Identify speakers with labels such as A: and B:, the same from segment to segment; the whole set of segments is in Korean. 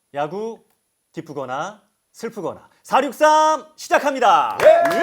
A: 야구 기쁘거나 슬프거나 463 시작합니다.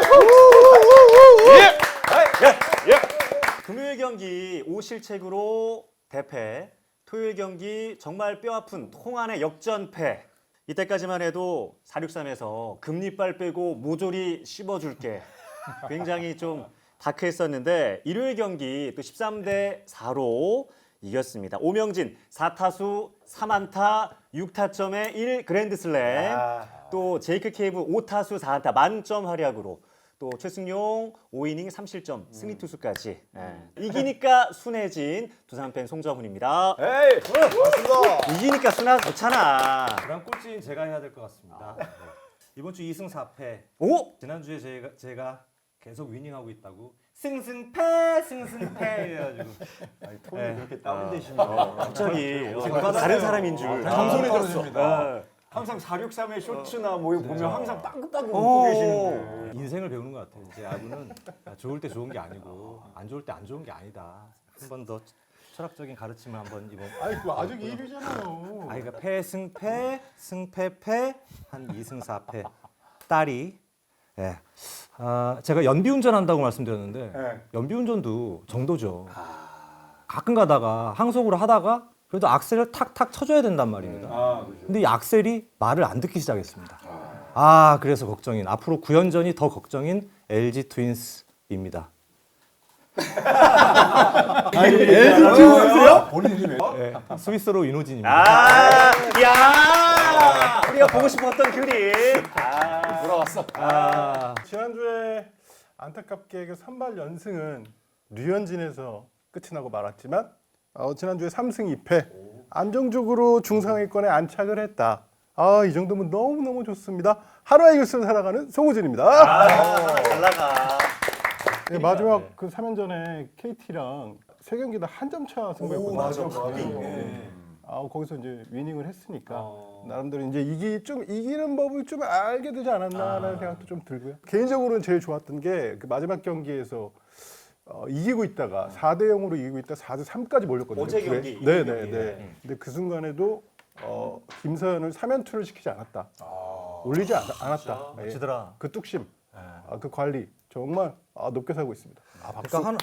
A: 금요일 경기 5실책으로 대패, 토요일 경기 정말 뼈아픈 통안의 역전패. 이때까지만 해도 463에서 금리빨 빼고 모조리 씹어줄게. 굉장히 좀 다크했었는데 일요일 경기 또 13대 4로 이겼습니다. 오명진 4타수 3안타 6타점에 1 그랜드슬램. 또 제이크 케이브 5타수 4안타 만점 활약으로 또 최승용 5이닝 3실점 승리 투수까지. 이기니까 순해진 두산팬 송정훈입니다.
B: 에이, 맞습니다.
A: 이기니까 순하 좋잖아.
C: 그럼 꼴찌는 제가 해야 될 것 같습니다. 네. 이번 주 2승 4패.
A: 오!
C: 지난주에 제가 계속 위닝하고 있다고 승승패 해가지고
B: 톤이 그렇게 다운되시면
A: 갑자기
C: 받았어요.
A: 다른 사람인 줄.
B: 겸손해졌습니다. 항상 463의 쇼츠나 뭐 보면 항상 따끔따끔 웃고 계시는데.
C: 인생을 배우는 것 같아요. 이제 야구는 좋을 때 좋은 게 아니고 안 좋을 때 안 좋은 게 아니다. 한 번 더 철학적인 가르침을 한번 이번.
D: 아니 그거 아직 1위잖아요.
C: 그러니까 패승패 승패패 한 2승 4패 딸이. 예. 제가 연비운전 한다고 말씀드렸는데
B: 네.
C: 연비운전도 정도죠. 가끔 가다가 항속으로 하다가 그래도 악셀을 탁탁 쳐줘야 된단 말입니다.
B: 그렇죠.
C: 근데 이 악셀이 말을 안 듣기 시작했습니다. 그래서 걱정인 앞으로 9연전이 더 걱정인 LG 트윈스입니다.
D: LG 트윈스요?
B: 본인이 왜?
C: 예, 스위스로 윤호진입니다.
A: 야! 우리가 보고 싶었던 그림.
B: 돌아왔어.
D: 지난주에 안타깝게 그 선발 연승은 류현진에서 끝이 나고 말았지만 지난주에 3승 2패 안정적으로 중상위권에 안착을 했다. 이 정도면 너무너무 좋습니다. 하루의 이글스를 살아가는 송우진입니다.
A: 잘 나가.
D: 네, 마지막 그 3연전에 KT랑 세 경기 다 한 점 차 승부였거든요.
B: 맞아.
D: 거기서 이제 위닝을 했으니까 나름대로 이제 이기는 법을 좀 알게 되지 않았나라는 생각도 좀 들고요. 개인적으로는 제일 좋았던 게 그 마지막 경기에서 이기고 있다가 4대 0으로 이기고 있다 4대 3까지 몰렸거든요.
A: 어제 경기,
D: 네,
A: 이번
D: 네,
A: 경기.
D: 네. 근데 그 순간에도 김서현을 3연투를 시키지 않았다. 올리지 않았다. 예.
C: 지더라.
D: 그 뚝심, 그 관리 정말 높게 살고 있습니다.
C: 그러니까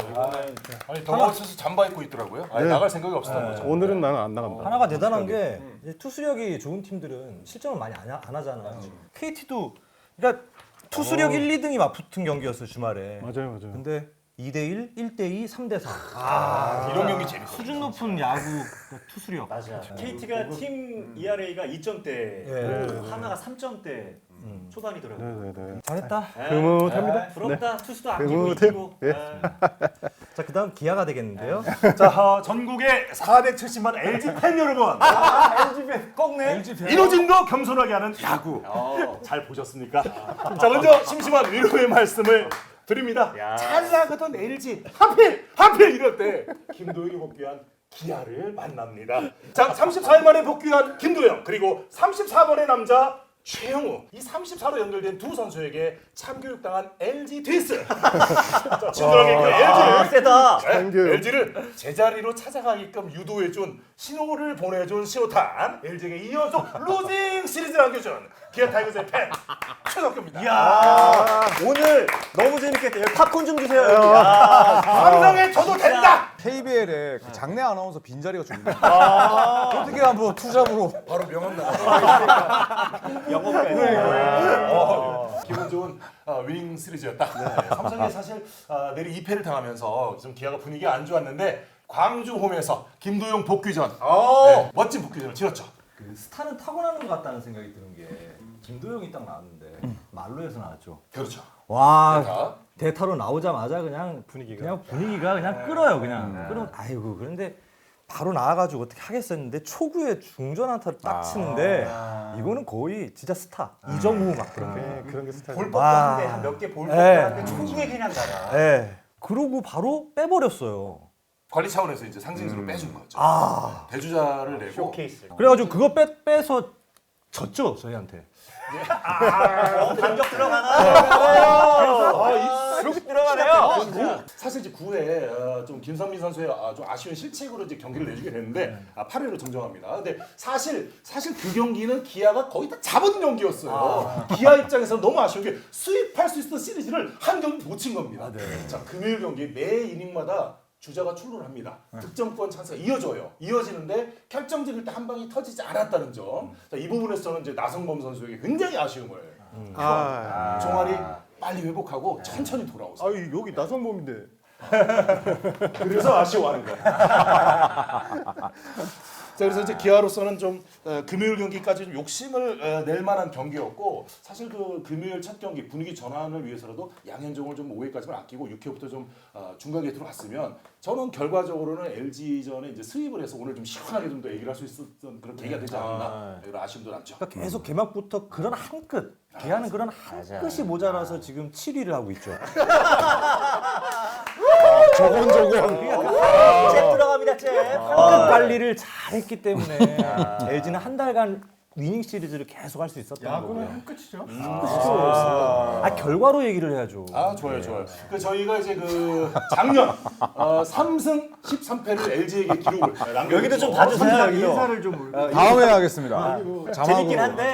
E: 아니 더워서 잠바 입고 있더라고요. 아니, 나갈 생각이 없었던 거죠.
D: 오늘은 나는 안 나간다.
C: 하나가 대단한 게 이제 투수력이 좋은 팀들은 실점을 많이 안 하잖아요. KT도 그러니까 투수력 1, 2등이 맞붙은 경기였어요 주말에.
D: 맞아요.
C: 근데 2대1, 1대2, 3대4.
E: 이런 경기 재밌어.
C: 수준 높은 야구 투수력.
A: 맞아. KT가 팀 ERA가 2점대,
C: 예.
A: 하나가 3점대 초반이더라고요.
D: 네.
C: 잘했다.
D: 흐뭇합니다.
A: 부럽다. 투수도 아끼고
D: 흐뭇해요.
A: 이기고.
D: 예.
C: 자 그다음 기아가 되겠는데요.
E: 자, 전국의 470만 LG 팬 여러분. LG 팬 꺾네. 이노진도 겸손하게 하는 야구. 잘 보셨습니까? 자, 먼저 심심한 위로의 말씀을 드립니다. 잘 나가던 LG 하필 이럴 때 김도영이 복귀한 기아를 만납니다. 자, 34일 만에 복귀한 김도영 그리고 34번의 남자 최영우 이 34로 연결된 두 선수에게 참교육당한 LG 트윈스. 자, 친절하게 그 LG를
A: 세다.
E: LG를 제자리로 찾아가게끔 유도해준 신호를 보내준 신호탄 LG에게 2연속 루징 시리즈를 안겨준 기아 타이거즈의 팬 최덕규입니다.
A: 이야, 오늘 너무 재밌겠다. 여기 팝콘 좀 주세요. 여기.
E: 삼성에 줘도 된다.
B: KBL에 그 장내 아나운서 빈자리가 좀 있는데 어떻게 한번 투잡으로 바로 명함 나가.
A: 영어까지.
E: 기분 좋은 위닝 시리즈였다. 삼성이 사실 내리 2패를 당하면서 좀 기아가 분위기가 안 좋았는데 광주 홈에서 김도영 복귀전 멋진 복귀전을 치렀죠.
C: 그 스타는 타고나는 것 같다는 생각이 드는 게 김도영이 딱 나왔는데 말로에서 나왔죠.
E: 그렇죠.
C: 와 대타로 나오자마자 그냥 분위기가 그냥 끌어요 그냥. 끌어. 아이고 그런데 바로 나와가지고 어떻게 하겠었는데 초구에 중전 안타를 딱 치는데 이거는 거의 진짜 스타 이정우 막 그런
D: 그런 게 스타일.
A: 볼 법도 한데 한 몇 개 볼 법도 한데 초구에 그냥 가라.
C: 예. 그러고 바로 빼버렸어요.
E: 관리 차원에서 이제 상징적으로 빼준 거죠. 대주자를 내고
A: 쇼케이스.
C: 그래가지고 그거 빼서 졌죠 저희한테.
A: 반격 들어가나?
E: 쑥 들어가네요. 사실 이제 9회 좀 김선민 선수의 좀 아쉬운 실책으로 이제 경기를 내주게 됐는데 8회로 정정합니다. 근데 사실 그 경기는 기아가 거의 다 잡은 경기였어요. 기아 입장에서 너무 아쉬운 게 수입할 수 있었던 시리즈를 한 경기 놓친 겁니다. 자, 금요일 경기 매 이닝마다 주자가 출루를 합니다. 득점권 찬스가 이어지는데 결정적일 때 한 방이 터지지 않았다는 점. 자, 이 부분에서 저는 이제 나성범 선수에게 굉장히 아쉬움을 종아리 빨리 회복하고 천천히 돌아오세요.
D: 아 여기 나성범인데.
E: 그래서 아쉬워하는 거예요. 자, 그래서 이제 기아로서는 좀 금요일 경기까지 좀 욕심을 낼 만한 경기였고 사실 그 금요일 첫 경기 분위기 전환을 위해서라도 양현종을 좀 5회까지만 아끼고 6회부터 좀 중간 게이트로 갔으면 저는 결과적으로는 LG전에 이제 수입을 해서 오늘 좀 시원하게 좀 더 얘기를 할 수 있었던 그런 계기가 되지 않았나 이런 아쉬움도 남죠.
C: 그러니까 계속 개막부터 그런 한 끗, 기아는 그런 한 끗이 모자라서 지금 7위를 하고 있죠.
B: 저건
A: 잽 들어갑니다, 잽.
C: 한 끗 관리를 잘했기 때문에 LG는 한 달간 위닝 시리즈를 계속 할 수 있었던
D: 야구는
C: 거고요.
D: 한 끝이죠.
C: 결과로 얘기를 해야죠.
E: 좋아요. 그 저희가 이제 그 작년 3승 13패를 LG에게 기록을 남겨.
A: 여기도 좀 봐주세요. 여기도.
D: 인사를 좀
B: 다음에 하겠습니다.
A: 재밌긴 한데.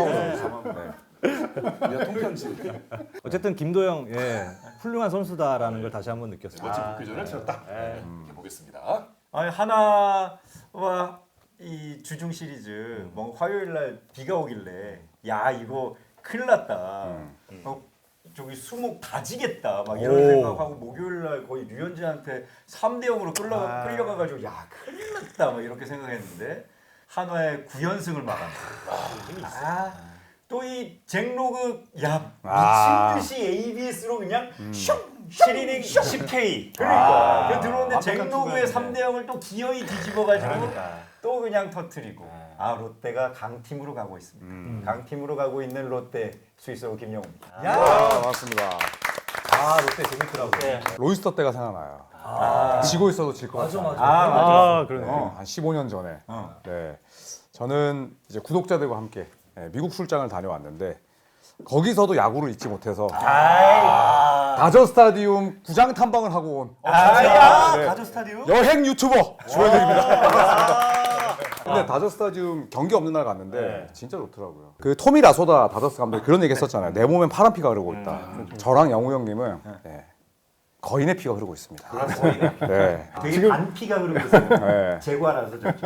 E: 야, 통편지.
C: 어쨌든 김도영 훌륭한 선수다라는 걸 다시 한번 느꼈습니다.
E: 멋진 복귀전을 치렀다. 보겠습니다.
F: 아니 하나와 이 주중 시리즈 뭐 화요일 날 비가 오길래 야 이거 큰일 났다. 저기 수목 다지겠다 막 이런 생각하고 목요일 날 거의 류현진한테 3대 0으로 끌려가가지고 야 큰일 났다 막 이렇게 생각했는데 한화의 9연승을 마감했다. 또 이 잭로그 야 미친 듯이 ABS로 그냥 슝
A: 7이닝 10K.
F: 그러니까 들어오는데 잭로그의 3대 0을 또 기어이 뒤집어가지고 또 그냥 터트리고 롯데가 강팀으로 가고 있습니다. 강팀으로 가고 있는 롯데 스위스로 김영우입니다.
B: 맞습니다.
C: 롯데 재밌더라고요.
B: 로이스터 때가 생각나요. 지고 있어도 질 것 같아요.
C: 맞아. 그러네.
B: 한 15년 전에. 네. 저는 이제 구독자들과 함께 미국 출장을 다녀왔는데 거기서도 야구를 잊지 못해서 다저 스타디움 구장 탐방을 하고 온
A: 가저 스타디움?
B: 여행 유튜버 주현입니다. 근데 다저 스타디움 경기 없는 날 갔는데 진짜 좋더라고요. 그 토미 라소다 다저스 감독이 그런 얘기 했었잖아요. 내 몸엔 파란 피가 흐르고 있다. 저랑 영우 형님은 거인의 피가 흐르고 있습니다. 네.
F: 되게 반피가 흐르고 있어요.
B: 네.
F: 제과라서 좋죠.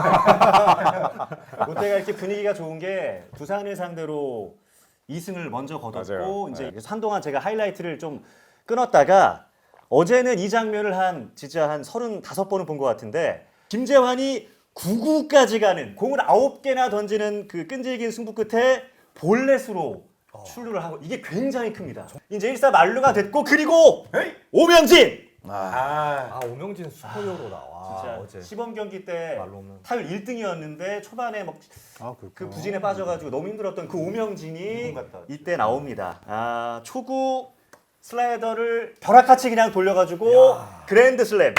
A: 롯데가 이렇게 분위기가 좋은 게 두산을 상대로 2승을 먼저 거뒀고
B: 맞아요.
A: 이제 한동안 제가 하이라이트를 좀 끊었다가 어제는 이 장면을 진짜 한 35번은 본 것 같은데 김재환이 9구까지 가는 공을 9개나 던지는 그 끈질긴 승부 끝에 볼넷으로 출루를 하고 이게 굉장히 큽니다. 이제 1사 만루가 됐고 그리고 오명진
C: 오명진 슈퍼히어로다.
A: 진짜
C: 어제
A: 시범 경기 때
C: 말로 없는.
A: 타율 1등이었는데 초반에 막 그 부진에 빠져가지고 너무 힘들었던 그 오명진이 이때 나옵니다. 초구 슬라이더를 벼락같이 그냥 돌려가지고 그랜드 슬램.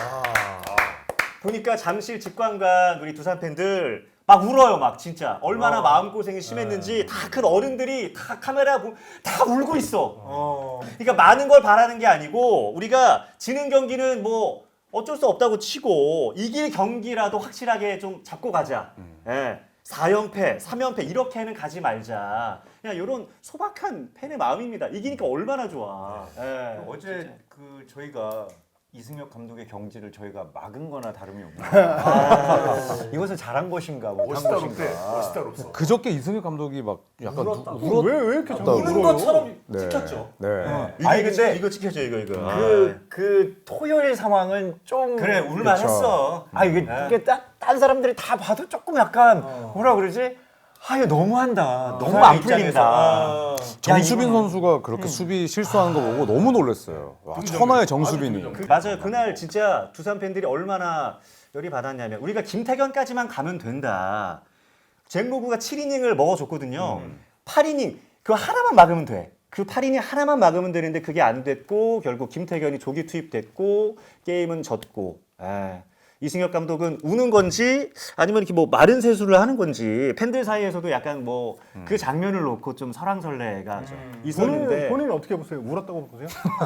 A: 보니까 잠실 직관관 우리 두산 팬들 막 울어요, 막 진짜 얼마나 마음고생이 심했는지 다 큰 어른들이 다 카메라 다 울고 있어. 그러니까 많은 걸 바라는 게 아니고 우리가 지는 경기는 뭐 어쩔 수 없다고 치고 이길 경기라도 확실하게 좀 잡고 가자. 4연패, 3연패 이렇게는 가지 말자. 그냥 이런 소박한 팬의 마음입니다. 이기니까 얼마나 좋아.
F: 어제 그 저희가 이승엽 감독의 경지를 저희가 막은 거나 다름이 없는 이것은 잘한 것인가 못한 것인가.
E: 멋있다 롭소.
B: 그저께 이승엽 감독이 막 약간
D: 왜 이렇게 자꾸
A: 우는 것처럼
B: 네.
A: 찍혔죠.
B: 네.
F: 아니, 근데
A: 이거 찍혀줘 이거.
F: 그 토요일 상황은 좀
A: 그래 울만했어.
F: 이게 딴 사람들이 다 봐도 조금 약간 뭐라 그러지? 이거 너무한다. 너무 안 풀린다.
B: 정수빈 선수가 그렇게 수비 실수하는 거 보고 너무 놀랐어요. 와, 천하의 정수빈이.
A: 맞아요. 그날 진짜 두산 팬들이 얼마나 열이 받았냐면 우리가 김태견까지만 가면 된다. 잭로그가 7이닝을 먹어줬거든요. 8이닝 그거 하나만 막으면 돼. 그 8이닝 하나만 막으면 되는데 그게 안 됐고 결국 김태견이 조기 투입됐고 게임은 졌고. 이승엽 감독은 우는 건지 아니면 이렇게 뭐 마른 세수를 하는 건지 팬들 사이에서도 약간 뭐 그 장면을 놓고 좀 설왕설래가 있었는데
D: 본인 어떻게 보세요? 울었다고 보세요?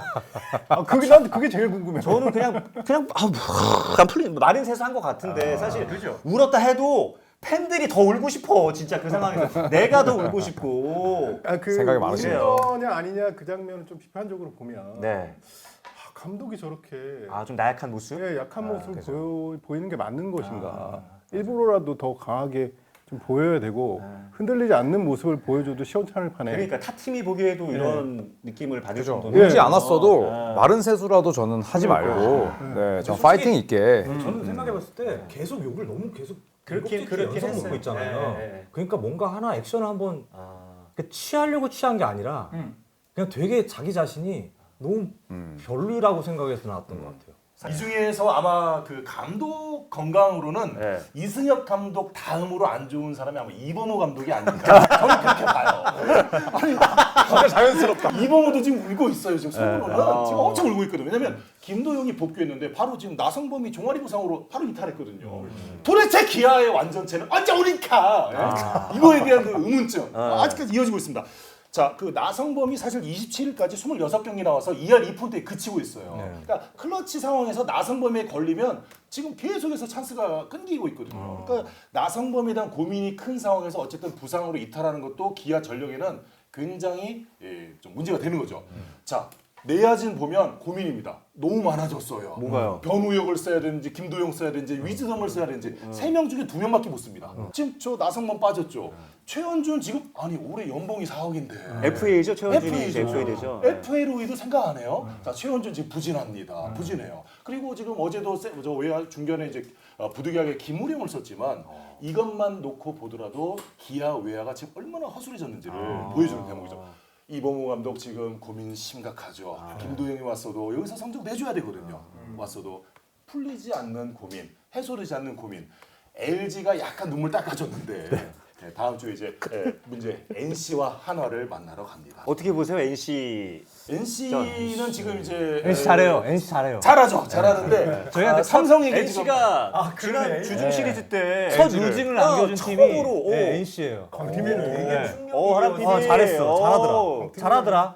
D: 난 그게 제일 궁금해요.
A: 저는 그냥 약간 풀린 마른 세수 한 것 같은데 사실 울었다 해도 팬들이 더 울고 싶어 진짜 그 상황에서 내가 더 울고 싶고
B: 생각이 많으시네요.
D: 거냐 아니냐 그 장면을 좀 비판적으로 보면
A: 네.
D: 감독이 저렇게
A: 좀 나약한 모습
D: 약한 모습을 보이는 게 맞는 것인가? 일부러라도 더 강하게 좀 보여야 되고 흔들리지 않는 모습을 보여줘도 시원찮을 판에.
A: 그러니까 타 팀이 보기에도 이런 느낌을 받을 정도는
B: 울지 않았어도 마른 세수라도 저는 하지 말고 좀 파이팅 있게.
C: 저는 생각해봤을 때 계속 욕을 너무 계속
A: 그렇게
C: 연속
A: 했어요.
C: 먹고 있잖아요.
A: 네.
C: 그러니까 뭔가 하나 액션을 한번 그러니까 취하려고 취한 게 아니라 그냥 되게 자기 자신이 너무 별로라고 생각해서 나왔던 것 같아요.
E: 이 중에서 아마 그 감독 건강으로는
A: 네.
E: 이승엽 감독 다음으로 안 좋은 사람이 아마 이범호 감독이 아닌가. 저는 그렇게 봐요. 아니, 진짜 자연스럽다. 이범호도 지금 울고 있어요. 지금 속으로는 지금 엄청 울고 있거든요. 왜냐면 김도영이 복귀했는데 바로 지금 나성범이 종아리 부상으로 바로 이탈했거든요. 도대체 기아의 완전체는 언제 오니까? 이거에 대한 그 의문점 아직까지 이어지고 있습니다. 자, 그 나성범이 사실 27일까지 26경기 나와서 2할 2푼대에 그치고 있어요. 그러니까 클러치 상황에서 나성범에 걸리면 지금 계속해서 찬스가 끊기고 있거든요. 그러니까 나성범에 대한 고민이 큰 상황에서 어쨌든 부상으로 이탈하는 것도 기아 전력에는 굉장히 좀 문제가 되는 거죠. 자, 내야진 보면 고민입니다. 너무 많아졌어요.
A: 뭔가요?
E: 변우혁을 써야 되는지 김도영 써야 되는지 위즈덤을 써야 되는지 3명 중에 2명밖에 못 씁니다. 지금 저 나성범 빠졌죠. 최현준 지금 아니 올해 연봉이 4억인데
A: FA죠 최원준이
E: FA죠.
A: FA 되죠.
E: FA로이도 생각 안 해요. 자 최현준 지금 부진합니다. 부진해요. 그리고 지금 어제도 저 외야 중견에 이제 부득이하게 김우령을 썼지만 이것만 놓고 보더라도 기아 외야가 지금 얼마나 허술해졌는지를 보여주는 대목이죠. 이범호 감독 지금 고민 심각하죠. 김도영이 왔어도 여기서 성적 내줘야 되거든요. 왔어도 풀리지 않는 고민, 해소되지 않는 고민. LG가 약간 눈물 닦아줬는데 다음 주에 이제 문제 NC와 한화를 만나러 갑니다.
A: 어떻게 보세요 NC?
E: NC는 지금 이제
C: NC 잘해요. NC 잘해요.
E: 잘하죠. 잘하는데
C: 저희한테
E: 삼성에게
A: NC가 지난
C: 그러네.
A: 주중 시리즈 때
C: 첫 루징을 남겨준 팀이
A: 처음으로
C: NC예요.
D: 강팀이는 되게
A: 하람 PD
C: 잘했어. 잘하더라.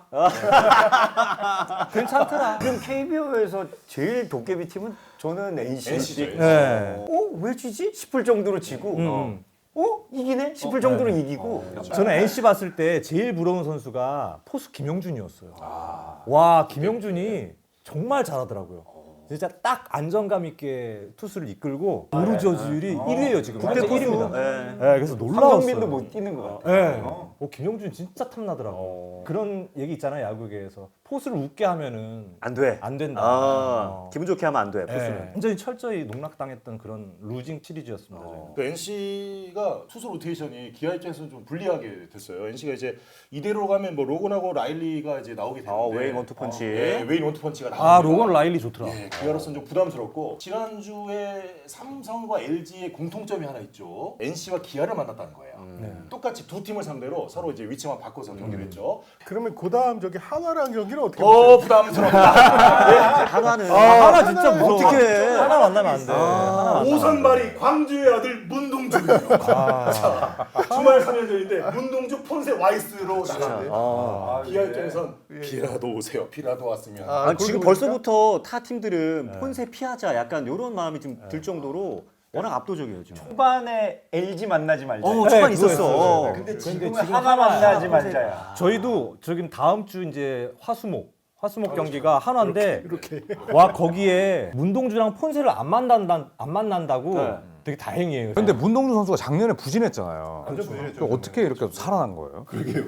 C: 괜찮더라.
F: 지금 KBO에서 제일 도깨비 팀은 저는 NC죠.
C: 네.
F: 왜 지지? 싶을 정도로 지고 이기네? 싶을 정도로 이기고
C: 저는 NC 봤을 때 제일 부러운 선수가 포수 김영준이었어요. 와, 김영준이 정말 잘하더라고요. 진짜 딱 안정감 있게 투수를 이끌고 도루 저지율이 1위예요 지금. 국대 1위입니다. 네, 그래서 놀라웠어요.
F: 황정민도 못 뛰는 것 같아.
C: 네. 김영준 진짜 탐나더라고. 그런 얘기 있잖아요 야구계에서 포수를 웃게 하면은
A: 안 돼.
C: 안 된다.
A: 기분 좋게 하면 안 돼.
C: 네.
A: 포수는.
C: 완전히 철저히 농락당했던 그런 루징 시리즈였습니다. 저는.
E: 그 NC가 투수 로테이션이 기아 입장에서는 좀 불리하게 됐어요. NC가 이제 이대로 가면 뭐 로건하고 라일리가 이제 나오게 되는데
A: 웨인 원투펀치.
E: 웨인 원투펀치가 나옵니다.
C: 로건 라일리 좋더라.
E: 기아로서는 좀 부담스럽고 지난주에 삼성과 LG의 공통점이 하나 있죠. NC와 기아를 만났다는 거예요. 똑같이 두 팀을 상대로 서로 이제 위치만 바꿔서 경기를 했죠.
D: 그러면 그다음 저기 한화랑 경기는 어떻게 보세요?
E: 부담스럽다.
A: 한화는
C: 하나 진짜 무서워.
A: 어떻게
C: 하나 만나면 안 돼.
E: 오선발이 광주의 아들 문동주예요. 자, 주말 3연전인데 문동주 폰세 와이스로 나갔는데 기아 입장에선 비라도 오세요. 비라도 왔으면.
A: 지금 벌써부터 타 팀들은 폰세 피하자 약간 이런 마음이 좀 들 정도로 워낙 압도적이에요 지금.
F: 초반에 LG 만나지 말자.
A: 초반 있었어.
F: 근데
C: 지금
F: 지금은 하나 만나지 말자야.
C: 저희도 지금 다음 주 이제 화수목 경기가 한화인데 와 거기에 문동주랑 폰세를 안 만난다고 되게 다행이에요.
B: 근데 문동주 선수가 작년에 부진했잖아요.
D: 완전 부진했죠.
B: 어떻게 이렇게 살아난 거예요?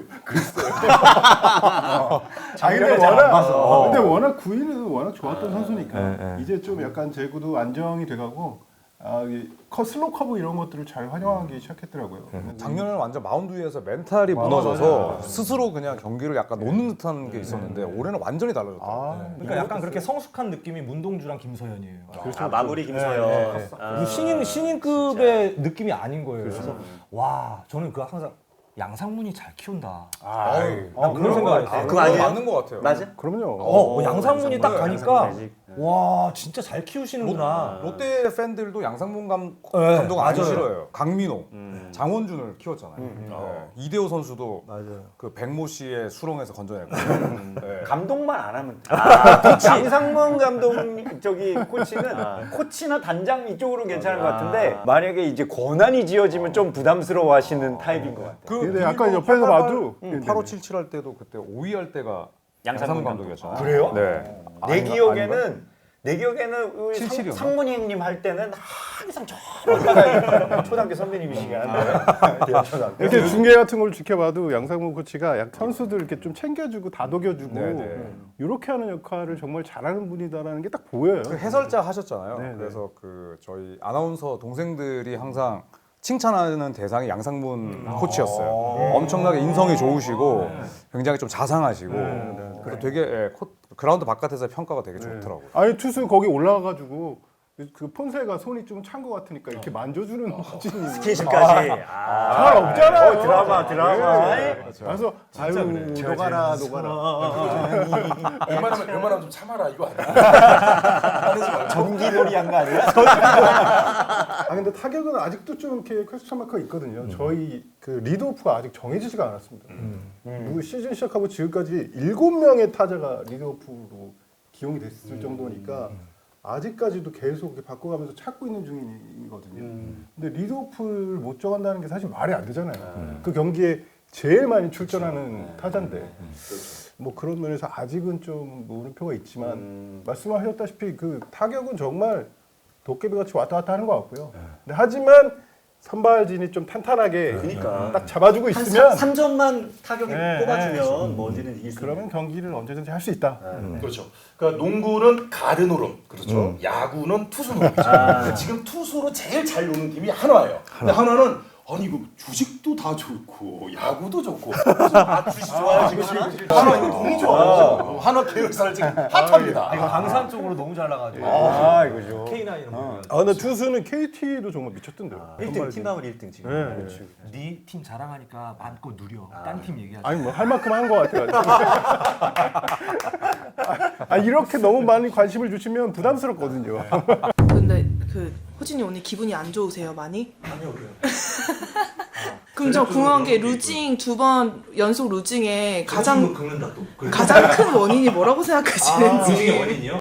D: 근데 워낙 구위는 워낙 좋았던 선수니까 이제 좀 약간 제구도 안정이 돼가고 슬로우 커브 이런 것들을 잘 활용하기 시작했더라고요.
B: 작년에는 완전 마운드 위에서 멘탈이 무너져서 스스로 그냥 경기를 약간 놓는 듯한 게 있었는데 올해는 완전히 달라졌다.
C: 그러니까 약간 그렇게 성숙한 느낌이 문동주랑 김서현이에요.
A: 마무리 김서현.
C: 신인급의 느낌이 아닌 거예요. 그래서 와 저는 그 항상 양상문이 잘 키운다.
B: 그런
C: 생각을 했어요.
A: 그거 아니에요?
B: 맞는 것 같아요.
A: 맞아?
D: 그럼요.
C: 양상문이 딱 가니까
A: 양상문
C: 와 진짜 잘 키우시는구나.
B: 롯데 팬들도 양상문 감독
C: 네,
B: 안
C: 맞아요.
B: 싫어요. 강민호, 장원준을 키웠잖아요. 이대호 선수도
C: 맞아요.
B: 그 백모 씨의 수렁에서 건져냈고. 네.
F: 감독만 안 하면 돼. 양상문 감독 저기 코치는 코치나 단장 이쪽으로는 괜찮은 것 같은데 만약에 이제 권한이 지어지면 좀 부담스러워하시는 타입인 것 같아요.
D: 근데 약간 옆에서 봐도
B: 8577 할 때도 그때 5위 할 때가
A: 양상문
B: 양상문 감독이었잖아요.
F: 그래요?
B: 네.
F: 내 기억에는 우리
B: 77이었나?
F: 상문이 형님 할 때는 항상 저기다가 초등학교 선배님이시긴 한데 대학초등학교.
D: 이렇게 중계 같은 걸 지켜봐도 양상문 코치가 약 선수들 이렇게 좀 챙겨주고 다독여주고 이렇게 하는 역할을 정말 잘하는 분이다라는 게 딱 보여요.
B: 그 해설자 하셨잖아요.
D: 네, 네.
B: 그래서 그 저희 아나운서 동생들이 항상 칭찬하는 대상이 양상문 코치였어요. 엄청나게 인성이 좋으시고 굉장히 좀 자상하시고 그래서 되게 그라운드 바깥에서 평가가 되게 좋더라고요.
D: 아니 투수 거기 올라가가지고 그 폰세가 손이 좀 찬 것 같으니까 이렇게 만져주는 코치님
A: 스킨십까지.
D: 잘 없잖아요.
F: 드라마.
D: 그래서 아유 녹아라.
E: 웬만하면 좀 참아라 이거 아니야?
F: 전기놀이 한 거 아니야?
D: 아 근데 타격은 아직도 좀 이렇게 퀘스천 마크가 있거든요. 저희 그 리드오프가 아직 정해지지가 않았습니다. 그 시즌 시작하고 지금까지 7명의 타자가 리드오프로 기용이 됐을 정도니까 아직까지도 계속 이렇게 바꿔가면서 찾고 있는 중이거든요. 근데 리드오프를 못 정한다는 게 사실 말이 안 되잖아요. 그 경기에 제일 많이 출전하는 타자인데 뭐 그런 면에서 아직은 좀 물음표가 있지만 말씀하셨다시피 그 타격은 정말 도깨비같이 왔다 갔다 하는 것 같고요. 근데 하지만 선발진이 좀 탄탄하게 딱 잡아주고
A: 한
D: 있으면
A: 3점만 타격이
D: 네,
A: 뽑아주면 뭐 어디든 이길 수 있는.
D: 그러면 경기를 언제든지 할 수 있다.
E: 그렇죠. 그러니까 농구는 가드 노름, 그렇죠. 야구는 투수 노름이죠. 그러니까 지금 투수로 제일 잘 노는 팀이 한화예요. 근데 한화는 아니 이거 주식도 다 좋고 야구도 좋고 주식 좋아요 지금 한화 이거 너무 좋아요. 한화 계열사를 지금 핫합니다.
C: 이거 강산 쪽으로 너무 잘 나가지고.
F: 이거죠.
C: K9 이런 거.
D: 아 근데 투수는 KT도 정말 미쳤던데요.
A: 1등 팀방울 1등 지금.
D: 네, 그렇지.
C: 네 팀 자랑하니까 마음껏 누려. 딴 팀 얘기하지.
D: 아니 뭐 할 만큼 한 것 같아요. 아 이렇게 너무 많이 관심을 주시면 부담스럽거든요.
G: 근데 그 호진이 오늘 기분이 안 좋으세요 많이?
C: 아니요 그래요.
G: 그럼 저 궁금한 게 루징 2번 연속 루징에 가장
C: 긁는다 또.
G: 큰 원인이 뭐라고 생각하시는지.
C: 루징의 원인이요?